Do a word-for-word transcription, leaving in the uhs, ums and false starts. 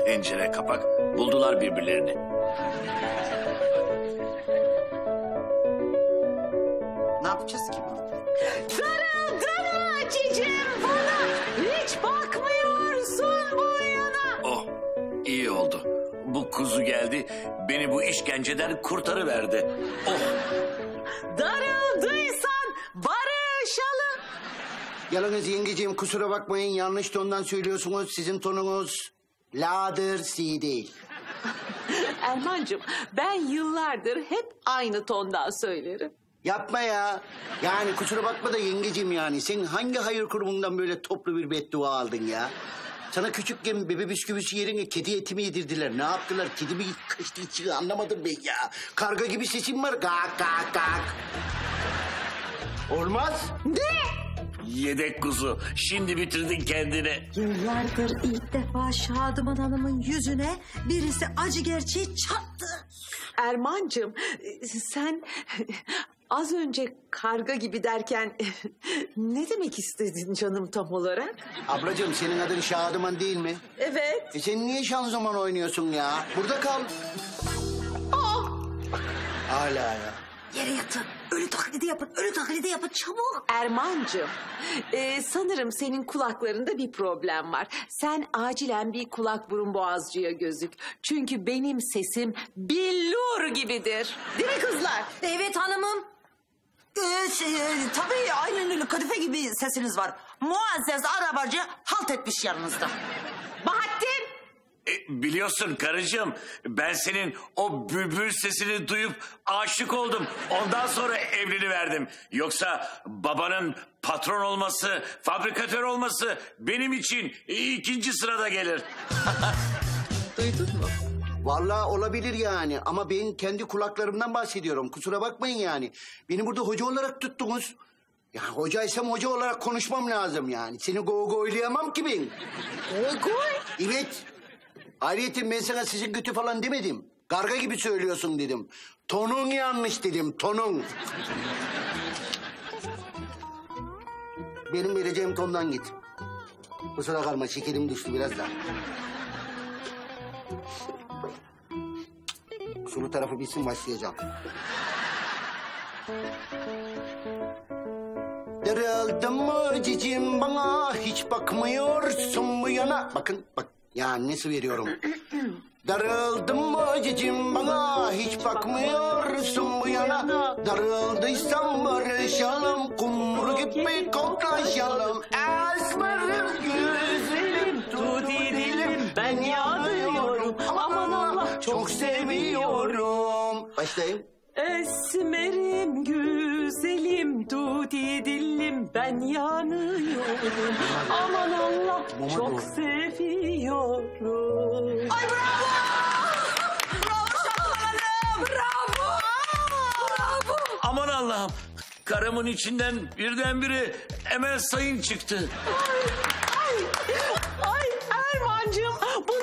Tencere kapak buldular birbirlerini. Ne yapacağız ki bunu? Sarıldın mı cicim bana? Hiç bakmıyorsun bu yana. Oh, iyi oldu. Bu kuzu geldi, beni bu işkenceden kurtarıverdi. Oh. Darıldıysan barışalım. Yalnız yengeciğim kusura bakmayın, yanlış tondan söylüyorsunuz. Sizin tonunuz la'dır, si değil. Erman'cığım ben yıllardır hep aynı tondan söylerim. Yapma ya. Yani kusura bakma da yengeciğim yani. Sen hangi hayır kurumundan böyle toplu bir beddua aldın ya? Sana küçükken bebe bisküvisi yerine kedi eti mi yedirdiler? Ne yaptılar? Kedi mi kaçtı içine anlamadım ben ya. Karga gibi sesim var. Gak gak gak. Olmaz. Ne? Yedek kuzu, şimdi bitirdin kendini. Yıllardır ilk defa Şadıman Hanım'ın yüzüne birisi acı gerçeği çattı. Erman'cığım sen az önce karga gibi derken ne demek istedin canım tam olarak? Ablacığım senin adın Şadıman değil mi? Evet. E sen niye şanzıman oynuyorsun ya? Burada kal. Aa! Hala ya. Yere yatın, ölü taklidi yapın, ölü taklidi yapın çabuk. Erman'cığım e, sanırım senin kulaklarında bir problem var. Sen acilen bir kulak burun boğazcıya gözük. Çünkü benim sesim billur gibidir. Değil mi kızlar? Evet hanımım. Ee, şey, e, tabii aynen öyle kadife gibi sesiniz var. Muazzez arabacı halt etmiş yanınızda. Bahattin! E, biliyorsun karıcığım, ben senin o bülbül sesini duyup aşık oldum. Ondan sonra evleniverdim. Yoksa babanın patron olması, fabrikatör olması benim için ikinci sırada gelir. Duydun mu? Vallahi olabilir yani ama ben kendi kulaklarımdan bahsediyorum. Kusura bakmayın yani. Beni burada hoca olarak tuttunuz. Ya hocaysam hoca olarak konuşmam lazım yani. Seni gogoylayamam ki ben. Goy? Evet. Ayrıca ben sana sizin kötü falan demedim. Karga gibi söylüyorsun dedim. Tonun yanlış dedim, tonun. Benim vereceğim tondan git. Kusura kalma, şekerim düştü biraz da. Sulu tarafı bitsin, başlayacağım. Darıldın mı cicim bana, hiç bakmıyorsun bu yana. Bakın, bak. Ya nasıl veriyorum? Darıldın mı cicim bana, hiç bakmıyorsun bu yana. Darıldıysan barışalım, kumru gibi koklaşalım. Esmerim güzelim, tuti dilim, ben yanıyorum. Aman Allah, çok seviyorum. Başlayayım. Esmerim güzelim tuti dillim ben yanıyorum. Aman Allah çok seviyorum. Ay bravo! Bravo Şadıman Hanım! Bravo! Bravo! Aman Allah'ım, karımın içinden birdenbire Emel Sayın çıktı. Ay, ay Erman'cığım bu